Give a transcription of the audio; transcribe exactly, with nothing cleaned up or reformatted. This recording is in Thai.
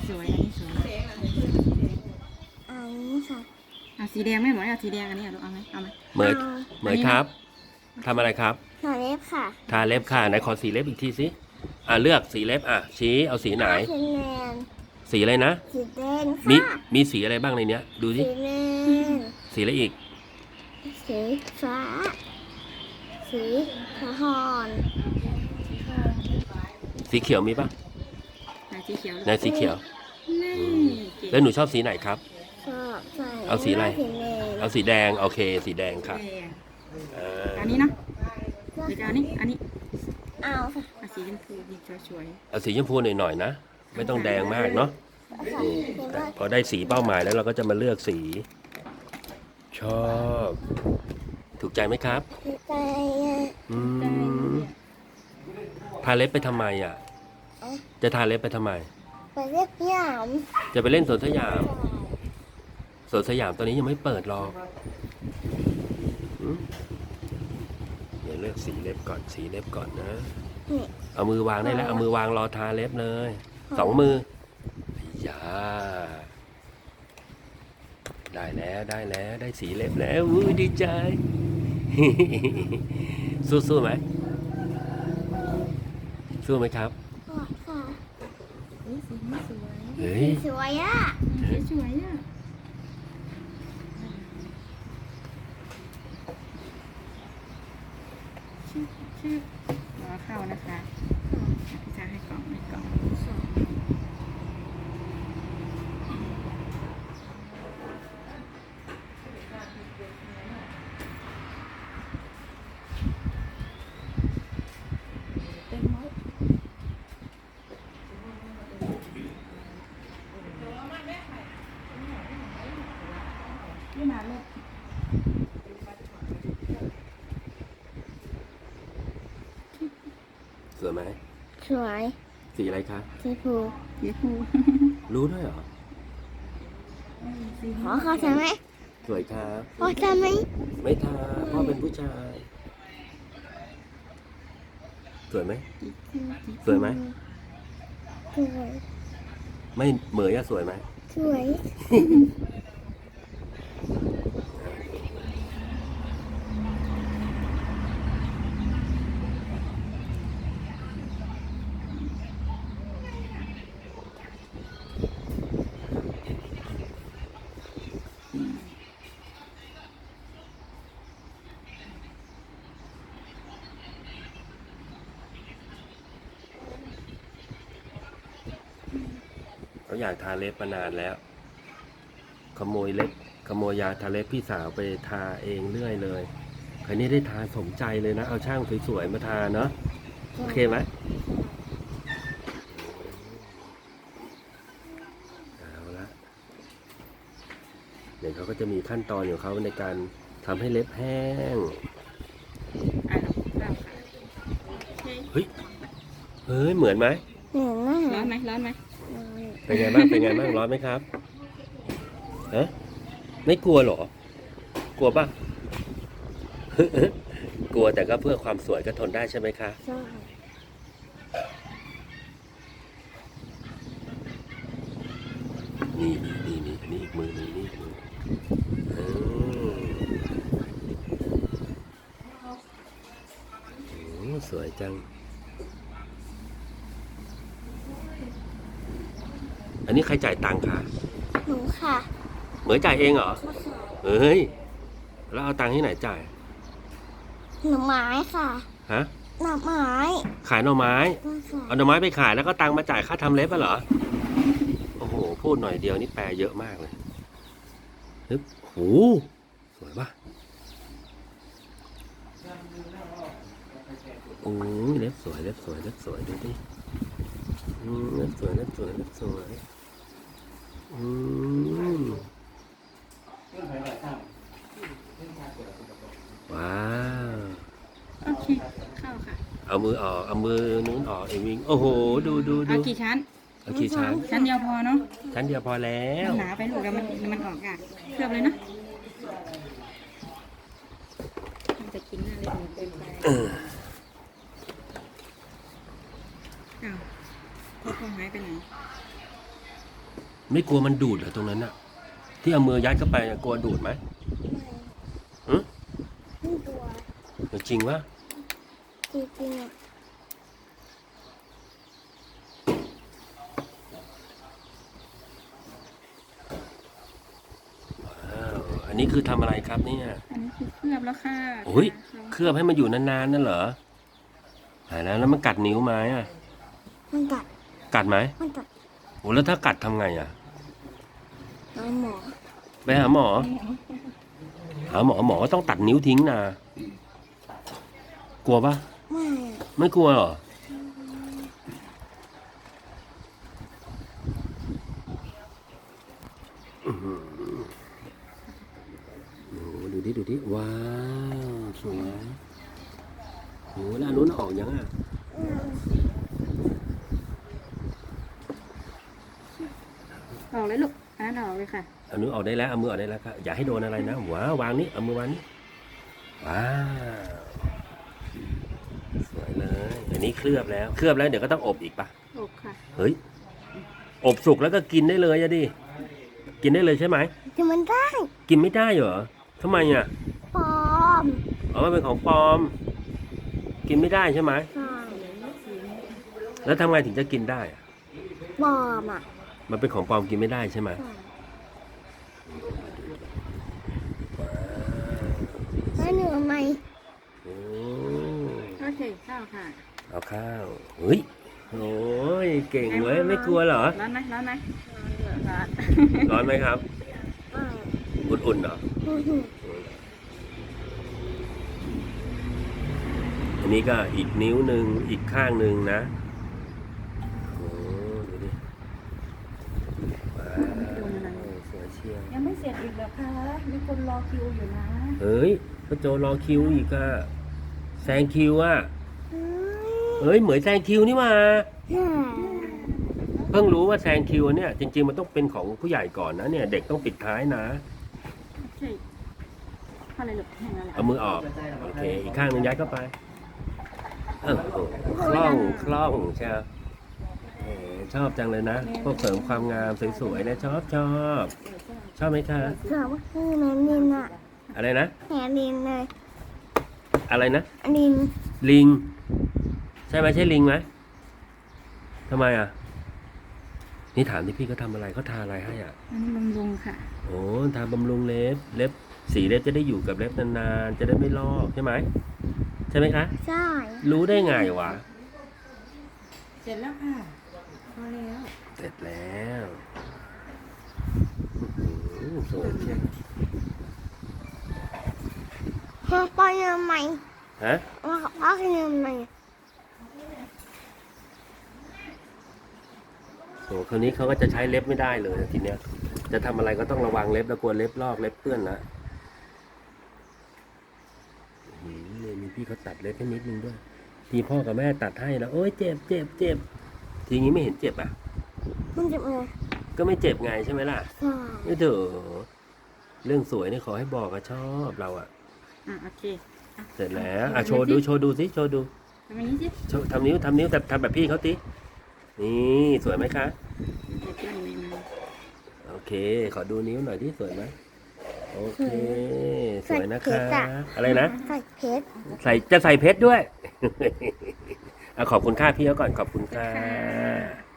สวยอันนี้สวยอันนี้ค่ะเอาสีแดงไม่หมดเอาสีแดงอันนี้เอาเอาไหมเอาไหมเหมยเหมยครับทำอะไรครับหน่อเล็บค่ะทาเล็บค่ะไหนขอสีเล็บอีกทีสิอ่ะเลือกสีเล็บอ่ะชี้เอาสีไหนสีแดงสีอะไรนะสีแดงมีค่ะมีสีอะไรบ้างในเนี้ย ดูสิสีแดงสีอะไรอีกสีฟ้า สีทองสีเขียวมีปะไหนสีเขียวในสีเขียวนี่อืมเก่งแล้วหนูชอบสีไหนครับชอบใส่เอาสีอะไรสีแดงเอาสีแดงโอเค สีแดงค่ะแดงอ่าอันนี้เนาะเดี๋ยวจะเอาอันนี้อันนี้เอาค่ะเอาสีชมพูดีสวยเอาสีชมพูหน่อยๆนะไม่ต้องแดงมากเนาะค่ะอืมเห็นแต่ว่าพอได้สีเป้าหมายแล้วเราก็จะมาเลือกสี ชอบ ถูกใจไหมครับสีใจอ่ะอืมทาเล็บไปทำไมอ่ะ จะทาเล็บไปทำไมไปเรียกยามจะไปเล่นสวนสยาม สวนสยามตอนนี้ยังไม่เปิดหรอกอืมเดี๋ยวเลือกสีเล็บก่อน สีเล็บก่อนนะนี่เอามือวางได้แล้ว เอามือวางรอทาเล็บเลย สองมืออย่าได้แล้วได้แล้วได้สีเล็บแล้วอุ้ยดีใจ สู้ๆไหมสู้ไหมครับกอดค่ะๆเฮ้ยสีนี้สวยเฮ้ยสวยอ่ะสีสวยอ่ะชื่อชื่อรอเข้านะคะพี่จะให้กล่องให้กล่องเต็มหมดนี่มาลูกสวยไหมสวยสีอะไรคะสีฟูสีฟูรู้ด้วยเหรอขอเขาใช่ไหมสวยครับขอใช่ไหมไม่ทาพ่อเป็นผู้ชาย สวยไหม สวยไหมสวยไม่เหมยอะสวยไหมสวยเขาอยากทาเล็บมานานแล้ว ขโมยเล็บ ขโมยยาทาเล็บพี่สาวไปทาเองเรื่อยเลยคราวนี้ได้ทาสมใจเลยนะ เอาช่างสวยๆมาทาเนาะ โอเคไหมเอาละเดี๋ยวเขาก็จะมีขั้นตอนของเขาในการทำให้เล็บแห้งอ่ะเราค่ะเฮ้ย เฮ้ย เหมือนไหมเหมือนมากร้อนไหมร้อนไหมเป็นไงบ้าง เป็นไงบ้าง ร้อนไหมครับฮะไม่กลัวเหรอ กลัวป่ะ กลัวแต่ก็เพื่อความสวยก็ทนได้ใช่ไหมคะใช่นี่นี่นี่นี่นี่อีกมือนี่นี่อีกมือเออโอ้สวยจัง อันนี้ใครจ่ายตังค์คะหนูค่ะเหมยจ่ายเองเหรอ เฮ้ย แล้วเอาตังค์ที่ไหนจ่ายหน่อไม้ค่ะฮะหน่อไม้ขายหน่อไม้ก็ค่ะเอาหน่อไม้ไปขายแล้วก็ตังค์มาจ่ายค่าทำเล็บอ่ะเหรอ โอ้โห พูดหน่อยเดียวนี่แปลเยอะมากเลยฮึบโหสวยปะโอ้ยเล็บสวยเล็บสวยเล็บสวยดูดิอืมเล็บสวยเล็บสวยเล็บสวยอืมว้าวโอเคเข้าค่ะเอามือออกเอามือนู้นออกเองวิ่งโอ้โหดูดูดูเอากี่ชั้นเอากี่ชั้นชั้นเดียวพอเนาะชั้นเดียวพอแล้วมันหนาไปลูกแล้วมันมันออกอ่ะเคลือบเลยเนาะมันจะกินหน้าเล็บหนูเกินไปเอออ้าวพ่อพ่อหายไปไหนไม่กลัวมันดูดเหรอตรงนั้นอะที่เอามือยัดเข้าไปอะกลัวดูดไหม หือไม่ตัวจริงวะจริงๆอ่ะอ้าวอันนี้คือทำอะไรครับเนี่ยอันนี้คือเคลือบแล้วค่ะโอ้ยค่ะเคลือบให้มันอยู่นานๆนั่นเหรอหายแล้วแล้วมันกัดนิ้วไหมอะมันกัดกัดไหมมันกัดโอ้แล้วถ้ากัดทำไงอะน้องหมอไปหาหมอ หาหมอหมอก็ต้องตัดนิ้วทิ้งนะกลัวปะไม่อะไม่กลัวเหรออื้อหือโอ้โหดูดิดูดิว้าวสวยโอ้โหแล้วอันนู้นออกยังอ่ะอืมออกเลยลูกอันนั้นออกเลยค่ะอันนู้นออกได้แล้วเอามือออกได้แล้วครับอย่าให้โดนอะไรนะว้าววางนี้เอามือวางนี้ว้าวสวยเลยอันนี้เคลือบแล้วเคลือบแล้วเดี๋ยวก็ต้องอบอีกปะอบค่ะเฮ้ยอบสุกแล้วก็กินได้เลยอะดิกินได้เลยใช่ไหมแต่มันได้กินไม่ได้เหรอทำไมอ่ะปลอมอ๋อมันเป็นของปลอม กินไม่ได้ใช่ไหมใช่แล้วทำไงถึงจะกินได้อะปลอมอ่ะมันเป็นของปลอมกินไม่ได้ใช่ไหมใช่แล้วหนูทำไมโอ้โอเคข้าวค่ะเอาข้าวเฮ้ยโอ้ยเก่งเว้ยไม่กลัวเหรอร้อนไหมร้อนไหมร้อนร้อนไหมครับไม่อุ่นๆเหรออื้อหืออันนี้ก็อีกนิ้วหนึ่งอีกข้างหนึ่งนะโอ้ดูดิว้าวสวยเชียวยังไม่เสร็จอีกเหรอคะมีคนรอคิวอยู่นะเฮ้ยพระโจรอคิวอีกอะแซงคิวอะเฮ้ยเฮ้ยเหมือนแซงคิวนี่มาน่าเพิ่งรู้ว่าแซงคิวเนี่ยจริงๆมันต้องเป็นของผู้ใหญ่ก่อนนะเนี่ยเด็กต้องปิดท้ายนะโอเคเข้าเลยลูกแห้งแล้วแหละเอามือออกโอเคอีกข้างหนึงยัดเข้าไปเออโอ้คล่องคล่องใช่ไหมเออชอบจังเลยนะพวกเสริมความงามสวยๆเนี่ยชอบชอบชอบไหมคะเกือบว่าคือแมนลินอ่ะอะไรนะแมนลินเลยอะไรนะลินลิง ใช่ไหมใช่ลิงไหมทำไมอ่ะนี่ถามที่พี่เขาทำอะไรเขาทาอะไรให้อ่ะอันนี้บำรุงค่ะโอ้ทาบำรุงเล็บเล็บสีเล็บจะได้อยู่กับเล็บนานๆจะได้ไม่ลอกใช่ไหมใช่ไหมคะใช่รู้ได้ไงวะเสร็จแล้วค่ะพอแล้วเสร็จแล้วอื้อหือสวยเชียวพ่อไปยังไงฮะพ่อพ่อไปยังไงโอ้คราวนี้เขาก็จะใช้เล็บไม่ได้เลยทีเนี้ย จะทำอะไรก็ต้องระวังเล็บแล้วกลัวเล็บลอกเล็บเปื้อนนะอื้อหือเนี่ยมีพี่เขาตัดเล็บให้นิดนึงด้วย ทีพ่อกับแม่ตัดให้แล้วโอ้ยเจ็บเจ็บเจ็บทีนี้ไม่เห็นเจ็บอ่ะมันจะเลยก็ไม่เจ็บไงใช่ไหมล่ะใช่นี่เถอะเรื่องสวยนี่ขอให้บอกอะชอบเราอะอ่ะโอเคอ่ะเสร็จแล้วอะโชว์ดูโชว์ดูสิโชว์ดูทำอย่างนี้สิโชว์ทำนิ้วทำนิ้วแต่ทำแบบพี่เขาสินี่สวยไหมคะเดี๋ยวเพื่อนมีมาโอเค ขอดูนิ้วหน่อยที่สวยไหมโอเค สวยนะคะ อะไรนะใส่เพชรใส่จะใส่เพชรด้วย อะขอบคุณค่าพี่เขาก่อนขอบคุณค่ะค่ะ